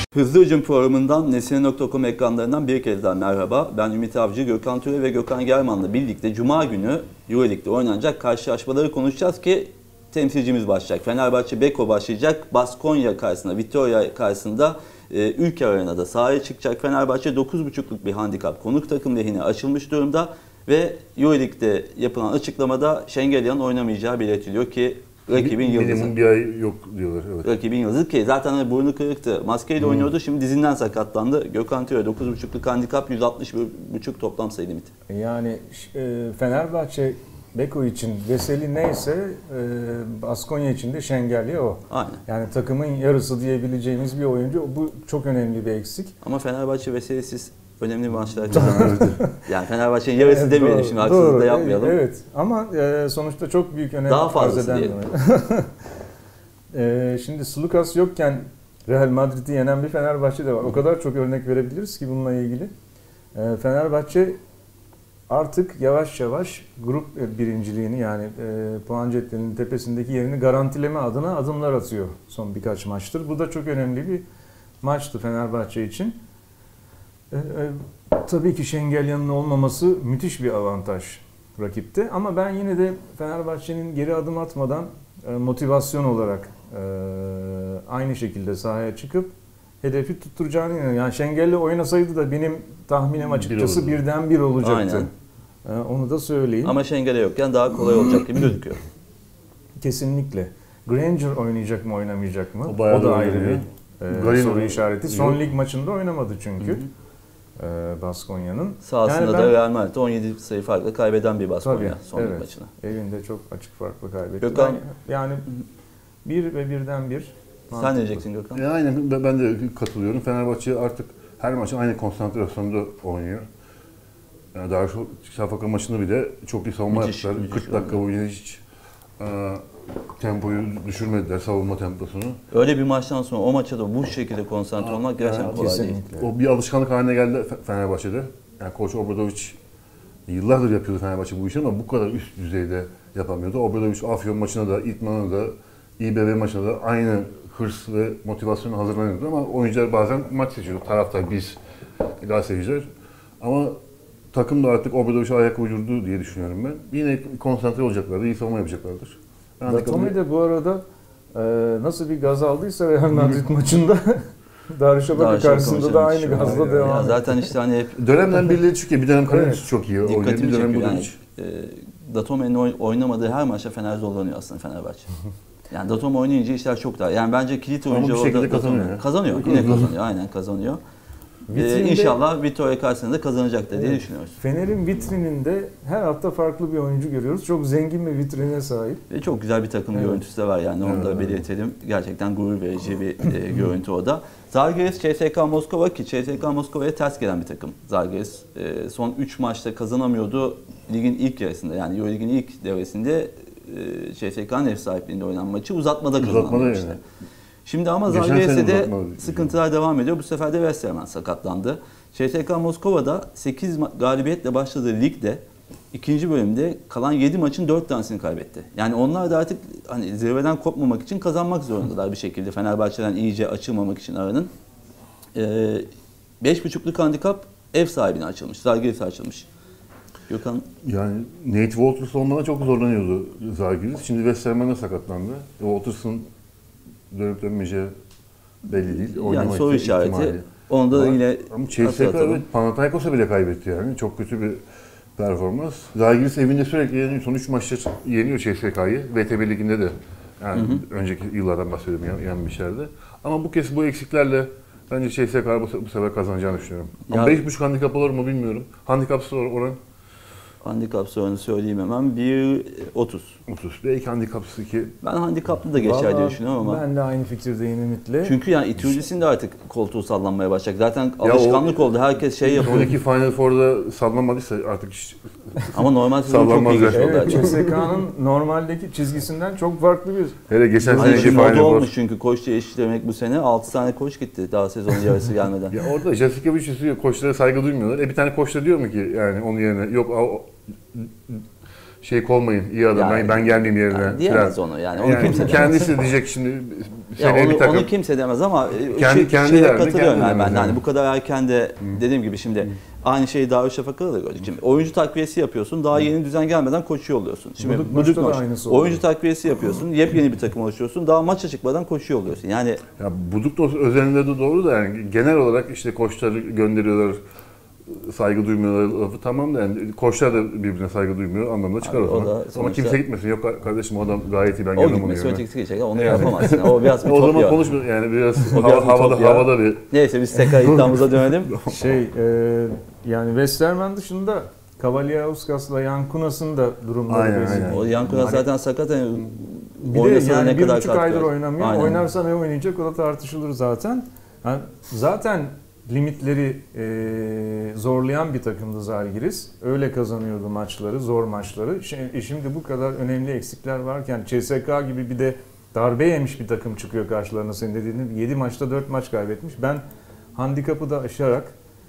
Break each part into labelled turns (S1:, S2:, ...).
S1: Hızlı Hücum programından Nesine.com ekranlarından bir kez daha merhaba. Ben Ümit Avcı, Gökhan Türe ve Gökhan German'la birlikte Cuma günü Euroleague'de oynanacak karşılaşmaları konuşacağız ki temsilcimiz başlayacak. Fenerbahçe Beko başlayacak. Baskonya karşısında, Vitória karşısında Ülker Arena'da sahaya çıkacak. Fenerbahçe 9.5'luk bir handikap konuk takım lehine açılmış durumda ve Euroleague'de yapılan açıklamada Şengelyan'ın oynamayacağı belirtiliyor ki rakibin yıldızı.
S2: Minimum bir ay yok diyorlar. Evet.
S1: Rakibin yıldızı ki zaten burnu kırıktı. Maskeyle oynuyordu. Şimdi dizinden sakatlandı. Gökhan Türe 9.5'luk handikap 160.5 toplam sayı limiti.
S3: Yani Fenerbahçe Beko için Veseli neyse Baskonya için de Şengelya o.
S1: Aynen.
S3: Yani takımın yarısı diyebileceğimiz bir oyuncu. Bu çok önemli bir eksik.
S1: Ama Fenerbahçe Veselisiz önemli bir maçlar kazandı. Yani Fenerbahçe'nin yarısı demeyelim şimdi, haksızlık da yapmayalım.
S3: Evet ama sonuçta çok büyük önem
S1: daha fazlası diyelim.
S3: Şimdi Sulukas yokken Real Madrid'i yenen bir Fenerbahçe de var. O kadar çok örnek verebiliriz ki bununla ilgili. Fenerbahçe artık yavaş yavaş grup birinciliğini yani puan cetvelinin tepesindeki yerini garantileme adına adımlar atıyor son birkaç maçtır. Bu da çok önemli bir maçtı Fenerbahçe için. Tabii ki Şengelyan'ın olmaması müthiş bir avantaj rakipte ama ben yine de Fenerbahçe'nin geri adım atmadan motivasyon olarak aynı şekilde sahaya çıkıp hedefi tutturacağını inanıyorum. Yani Şengel'le oynasaydı da benim tahminim açıkçası birden bir olacaktı. Aynen. Onu da söyleyeyim.
S1: Ama Şengel'e yokken daha kolay olacak gibi gözüküyor.
S3: Kesinlikle. Granger oynayacak mı oynamayacak mı?
S2: O
S3: da ayrı bir soru işareti. Son lig maçında oynamadı çünkü. Baskonya'nın.
S1: Sahasında da Real Madrid 17 sayı farkla kaybeden bir Baskonya son lig maçına.
S3: Evinde çok açık farkla kaybetti.
S1: Gökhan,
S3: yani bir ve birden bir.
S1: Sen ne diyeceksin Gökhan?
S2: Aynen ben de katılıyorum. Fenerbahçe artık her maçı aynı konsantrasyonda oynuyor. Yani Darüşşafaka maçında bile çok iyi savunma yaptılar. 40 dakika boyunca hiç tempoyu düşürmediler, savunma temposunu.
S1: Öyle bir maçtan sonra o maça da bu şekilde konsantre olmak gerçekten kolay değil.
S2: O bir alışkanlık haline geldi Fenerbahçe'de. Yani Koç Obradoviç yıllardır yapıyordu Fenerbahçe bu işi ama bu kadar üst düzeyde yapamıyordu. Obradoviç Afyon maçına da, İtman'a da, İBB maçına da aynı hırs ve motivasyonla hazırlanıyordu ama oyuncular bazen maç seçiyordu. Taraftar biz, gazeteciler. Ama takım da artık Obradoviç'e ayak uydurdu diye düşünüyorum ben. Yine konsantre olacaklardır, iyi savunma yapacaklardır.
S3: Datome de bu arada nasıl bir gaz aldıysa Real Madrid maçında Darüşşafaka karşısında da aynı gazla devam ediyor.
S1: Zaten işte hani hep
S2: dönemden birileri çıkıyor. Bir dönem Karadeniz çok iyi oynuyor. Bir dönem bu
S1: yani, Datome'nin oynamadığı her maçta Fener zorlanıyor aslında Fenerbahçe. Yani Datome oynayınca işler çok daha. Yani bence kilit oyuncu
S2: orada kazanıyor.
S1: Kazanıyor. Yine kazanıyor. Aynen kazanıyor. İnşallah Vitória karşısında da kazanacaktır diye düşünüyoruz.
S3: Fener'in vitrininde her hafta farklı bir oyuncu görüyoruz. Çok zengin bir vitrine sahip.
S1: Ve çok güzel bir takım görüntüsü de var yani onu da belirtelim. Gerçekten gurur verici bir görüntü o da. Zalgiris CSKA Moskova ki CSKA Moskova'ya ters gelen bir takım. Zalgiris son 3 maçta kazanamıyordu ligin ilk yarısında yani Euroleague'in ilk devresinde CSKA'nın ev sahipliğinde oynanan maçı uzatmada kazandı işte. Şimdi ama Zalgiris'e de sıkıntılar devam ediyor. Bu sefer de Westerman sakatlandı. CSKA Moskova'da 8 galibiyetle başladığı ligde ikinci bölümde kalan 7 maçın 4 tanesini kaybetti. Yani onlar da artık hani zirveden kopmamak için kazanmak zorundalar bir şekilde. Fenerbahçe'den iyice açılmamak için aranın. 5.5'luk handikap ev sahibine açılmış. Zalgiris'e açılmış. Gökhan?
S2: Yani Nate Walters olmadan çok zorlanıyordu Zalgiris. Şimdi Westerman'a sakatlandı. Walters'ın dönüp dönmeyeceği belli değil.
S1: Yani soru işareti. Onda da yine
S2: ama CSKA Panathinaikos'a bile kaybetti yani. Çok kötü bir performans. Zalgiris evinde sürekli yeniyor. Son 3 maçta yeniyor CSKA'yı. VTB Ligi'nde de yani önceki yıllardan bahsediyorum yenmişlerdi. Ama bu kez bu eksiklerle bence CSKA bu sefer kazanacağını düşünüyorum. Ama 5.5 handikap olur mu bilmiyorum. Handikapsız oran?
S1: Handikap sorunu söyleyeyim hemen. 1.30.
S2: 30. Belki handikapsız 2.
S1: Ben handikaplı da geçer diye düşünüyorum ama.
S3: Ben de aynı fikirdeyim Ümit'le.
S1: Çünkü yani Itudis'in de artık koltuğu sallanmaya başlayacak. Zaten alışkanlık oldu. Herkes şey yapıyor.
S2: Oradaki Final Four'da sallanmadıysa artık hiç
S1: ama normal sezon çok iyi geçiyor.
S3: Evet, CSKA'nın normaldeki çizgisinden çok farklı bir.
S2: Hele geçen seneki
S1: Final Four olmuş
S2: Four.
S1: çünkü koç değiştirmek bu sene 6 tane koç gitti daha sezonun yarısı gelmeden.
S2: Ya orada Jasikevic koçlara saygı duymuyorlar. Bir tane koç da diyor mu ki yani onun yerine yok şey olmayın iyi adam yani, ben gelmeyeyim yerine.
S1: Yani diyemez onu yani. Onu
S2: kimse kendisi diyecek şimdi
S1: Onu kimse demez ama
S2: kendi
S1: katılıyorum yani ben. Yani bu kadar erken de dediğim gibi şimdi aynı şeyi Darüşşafaka'da da gördük. Şimdi oyuncu takviyesi yapıyorsun. Daha yeni düzen gelmeden koçu yolluyorsun. Şimdi Buduknoş oyuncu takviyesi yapıyorsun. Yepyeni bir takım oluşturuyorsun. Daha maça çıkmadan koçu yolluyorsun. Yani
S2: ya Buduknoş özelinde de doğru da yani genel olarak işte koçları gönderiyorlar. Saygı duymuyorlar lafı tamam da yani koçlar da birbirine saygı duymuyor anlamında çıkar o zaman. Ama kimse gitmesin. Yok kardeşim o adam gayet iyi ben görmem onu.
S1: O gitmesi ötekisi geçecek onu yapamazsın. O biraz
S2: o zaman konuşmuyor yani biraz havada bir.
S1: Neyse biz tekrar iddiamıza dönelim.
S3: Yani Westerman dışında Kavaliauskas Yankunas'ın da durumları
S1: benziyor. O Yankunas zaten sakat
S3: bir de yani 1,5 aydır oynamıyor. Aynen. Oynarsa ne oynayacak o da tartışılır zaten. Yani zaten limitleri zorlayan bir takımdı Zalgiris. Öyle kazanıyordu maçları, zor maçları. Şimdi bu kadar önemli eksikler varken CSKA gibi bir de darbe yemiş bir takım çıkıyor karşılarına senin dediğin gibi. 7 maçta 4 maç kaybetmiş. Ben handikapı da aşarak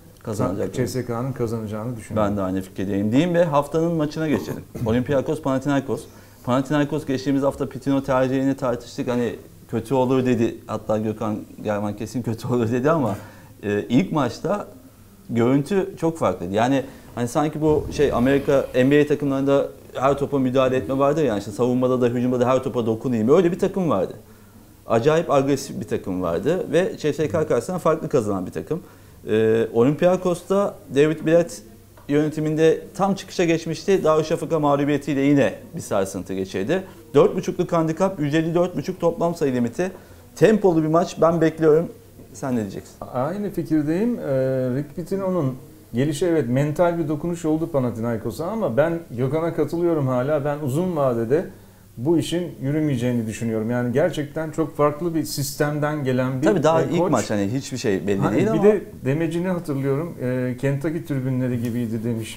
S3: CSKA'nın kazanacağını düşünüyorum.
S1: Ben de aynı fikirdeyim diyeyim ve haftanın maçına geçelim. Olympiakos Panathinaikos. Panathinaikos geçtiğimiz hafta Pitino tercihini tartıştık. Hani kötü olur dedi. Hatta Gökhan Germen kesin kötü olur dedi ama ilk maçta görüntü çok farklıydı. Yani hani sanki bu Amerika NBA takımlarında her topa müdahale etme vardır yani işte savunmada da hücumda da her topa dokunayım. Öyle bir takım vardı. Acayip agresif bir takım vardı ve CSKA karşısında farklı kazanan bir takım. Olympiakos'ta David Blatt yönetiminde tam çıkışa geçmişti. Darüşşafaka mağlubiyetiyle yine bir sarsıntı geçirdi. 4.5'luk handikap, 154.5 toplam sayı limiti. Tempolu bir maç ben bekliyorum. Sen ne diyeceksin?
S3: Aynı fikirdeyim. Rick Pitino'nun gelişi evet mental bir dokunuş oldu Panathinaikos'a ama ben Gökhan'a katılıyorum hala. Ben uzun vadede bu işin yürümeyeceğini düşünüyorum. Yani gerçekten çok farklı bir sistemden gelen bir
S1: Tabii daha
S3: koç.
S1: ilk maç hani hiçbir şey belli değil ama.
S3: Bir de demecini hatırlıyorum. Kentucky tribünleri gibiydi demiş.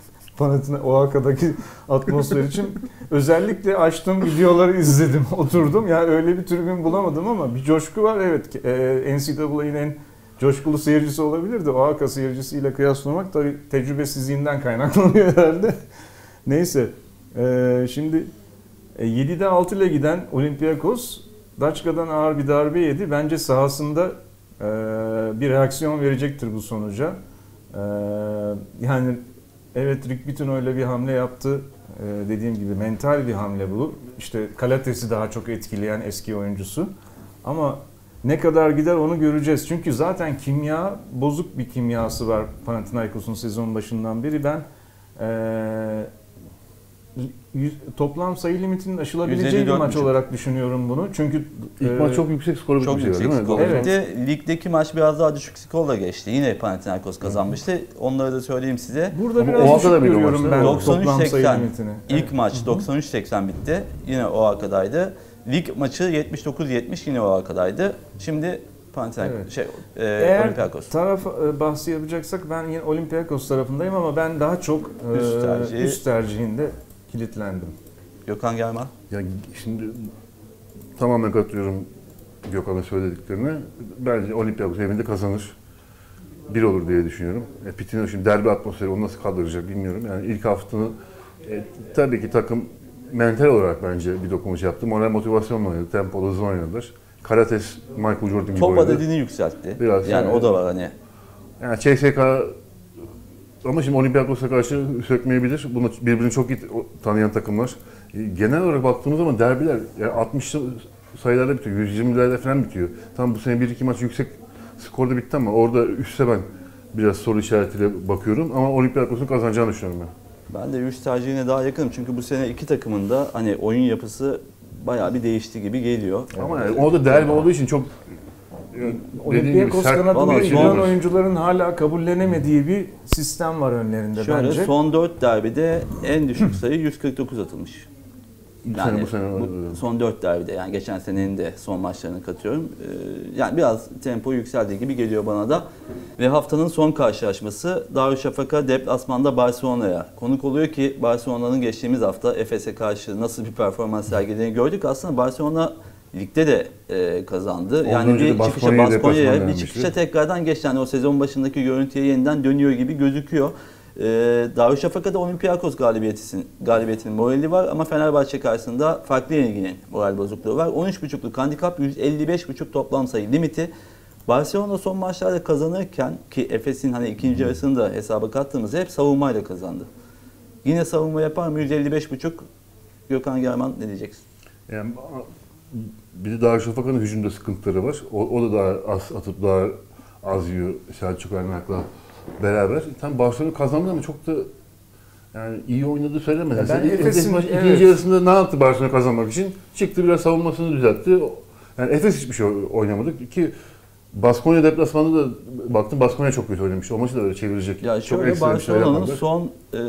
S3: Oaxaca'daki atmosfer için özellikle açtım videoları izledim, oturdum. Yani öyle bir tribün bulamadım ama bir coşku var. Evet, NCAA'nin en coşkulu seyircisi olabilirdi. Oaxaca seyircisiyle kıyaslamak tabii tecrübesizliğinden kaynaklanıyor herhalde. Neyse, şimdi 7'de 6 ile giden Olympiakos Daçka'dan ağır bir darbe yedi. Bence sahasında bir reaksiyon verecektir bu sonuca. Yani evet Rick Pitino öyle bir hamle yaptı. Dediğim gibi mental bir hamle bu. İşte Kalates'i daha çok etkileyen eski oyuncusu. Ama ne kadar gider onu göreceğiz. Çünkü zaten kimya, bozuk bir kimyası var Panathinaikos'un sezon başından beri. Ben toplam sayı limitinin aşılabileceği bir maç olarak düşünüyorum bunu. Çünkü
S2: ilk maç çok yüksek skor bir şey değil mi?
S1: Evet. Ligdeki maç biraz daha düşük skorla geçti. Yine Panathinaikos kazanmıştı. Onları da söyleyeyim size.
S3: Burada biraz düşük görüyorum ben toplam sayı limitini.
S1: İlk maç 93-80 bitti. Yine Oaxaca'daydı. Lig maçı 79-70 yine Oaxaca'daydı. Şimdi Panathinaikos Olympiakos.
S3: Taraf bahsi yapacaksak ben yine Olympiakos tarafındayım ama ben daha çok üst tercihinde kilitlendim.
S1: Gökhan Germen.
S2: Ya şimdi tamamen katılıyorum Gökhan'ın söylediklerine. Bence Olympiakos evinde kazanır. Bir olur diye düşünüyorum. Pitino şimdi derbi atmosferi onu nasıl kaldıracak bilmiyorum. Yani ilk haftanın tabii ki takım mental olarak bence bir dokunuş yaptı. Moral motivasyonla oynadı. Tempolu hızlı oynadılar. Karates, Michael Jordan gibi
S1: top
S2: oynadı.
S1: Top adedini yükseltti.
S2: Biraz
S1: yani o da var hani.
S2: Yani CSKA ama şimdi Olympiakos'a karşı sökmeyebilir. Bunu birbirini çok iyi tanıyan takımlar. Genel olarak baktığımız zaman derbiler yani 60 sayılarda bitiyor, 120'lerde falan bitiyor. Tam bu sene 1-2 maç yüksek skorda bitti ama orada üstte ben biraz soru işaretiyle bakıyorum. Ama Olympiakos'un kazanacağını düşünüyorum ben.
S1: Ben de üst tercihine daha yakınım. Çünkü bu sene iki takımın da hani oyun yapısı bayağı bir değişti gibi geliyor.
S2: Ama yani orada derbi olduğu için çok
S3: Olympiakos kanadında giren oyuncuların hala kabullenemediği bir sistem var önlerinde
S1: şöyle,
S3: bence.
S1: Son 4 derbide en düşük sayı 149 atılmış. Yani
S2: bu sene
S1: son 4 derbide yani geçen senenin de son maçlarını katıyorum. Yani biraz tempo yükseldiği gibi geliyor bana da. Ve haftanın son karşılaşması Darüşşafaka deplasmanda Barcelona'ya konuk oluyor ki Barcelona'nın geçtiğimiz hafta Efes'e karşı nasıl bir performans sergilediğini gördük. Aslında Barcelona ligde de kazandı. Yani bir çıkışa Baskonya'ya bir çıkışa tekrardan geçti. Yani o sezon başındaki görüntüye yeniden dönüyor gibi gözüküyor. Darüşşafaka'da Olympiakos galibiyetinin morali var ama Fenerbahçe karşısında farklı yenilginin moral bozukluğu var. 13.5'luk handikap, 155.5 toplam sayı limiti. Barcelona son maçlarda kazanırken ki Efes'in hani ikinci yarısını da hesaba kattığımızda hep savunmayla kazandı. Yine savunma yapar mı? 155.5. Gökhan German ne diyeceksin?
S2: Yani bir de Darüşşafaka'nın hücumda sıkıntıları var. O da daha az atıp daha az yiyor Selçuk Aynak'la beraber. Tam Barcelona kazandı ama çok da yani iyi oynadığı söylemez.
S3: Ben
S2: Efes'in ikinci yarısında ne yaptı Barcelona kazanmak için? Çıktı biraz savunmasını düzeltti. Yani Efes hiçbir şey oynamadı ki Baskonya deplasmanında da baktım Baskonya çok kötü oynamış. O maçı da öyle çevirecek.
S1: Ya
S2: çok
S1: şöyle Barcelona'nın
S2: şey
S1: son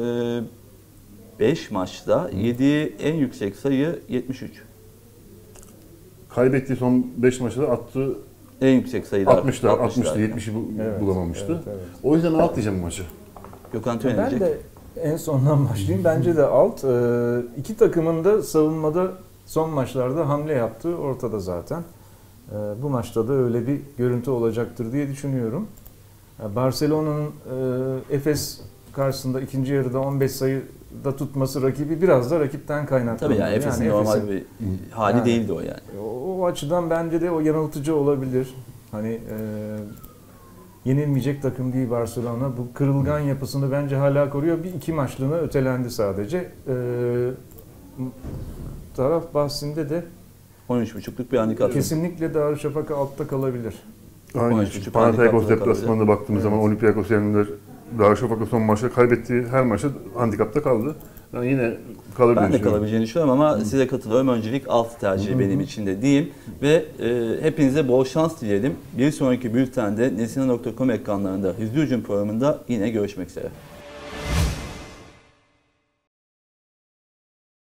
S1: 5 maçta yediği en yüksek sayı 73.
S2: Kaybettiği son 5 maçta da attığı
S1: En yüksek sayılar
S2: 60'lı 70'i bulamamıştı.
S3: Evet.
S2: O yüzden alt diyeceğim bu maçı.
S1: Gökhan Töre
S3: Ben
S1: diyecek.
S3: de en sondan başlayayım. Bence de alt. İki takımın da savunmada son maçlarda hamle yaptığı ortada zaten. Bu maçta da öyle bir görüntü olacaktır diye düşünüyorum. Barcelona'nın Efes karşısında ikinci yarıda 15 sayıda tutması rakibi biraz da rakipten kaynaklanıyor.
S1: Tabii yani Efes'in normal bir hali
S3: yani,
S1: değildi o yani.
S3: O açıdan bence de o yanıltıcı olabilir. Hani yenilmeyecek takım değil Barcelona. Bu kırılgan yapısını bence hala koruyor. Bir iki maçlığına ötelendi sadece. Taraf bahsinde de
S1: 13.5'luk bir handikap.
S3: kesinlikle Darüşşafaka altta kalabilir.
S2: Aynen. Panathinaikos deplasmanında baktığımız zaman Olympiakos yenildiler. Darüşşafaka son maçta kaybettiği her maçta handikapta kaldı. Yani yine kalabilir.
S1: Ben de kalabileceğini düşünüyorum ama size katılıyorum. Öncelik alt tercihi benim için de diyeyim. Ve hepinize bol şans dileyelim. Bir sonraki bültende nesine.com ekranlarında Hızlı Hücum programında yine görüşmek üzere.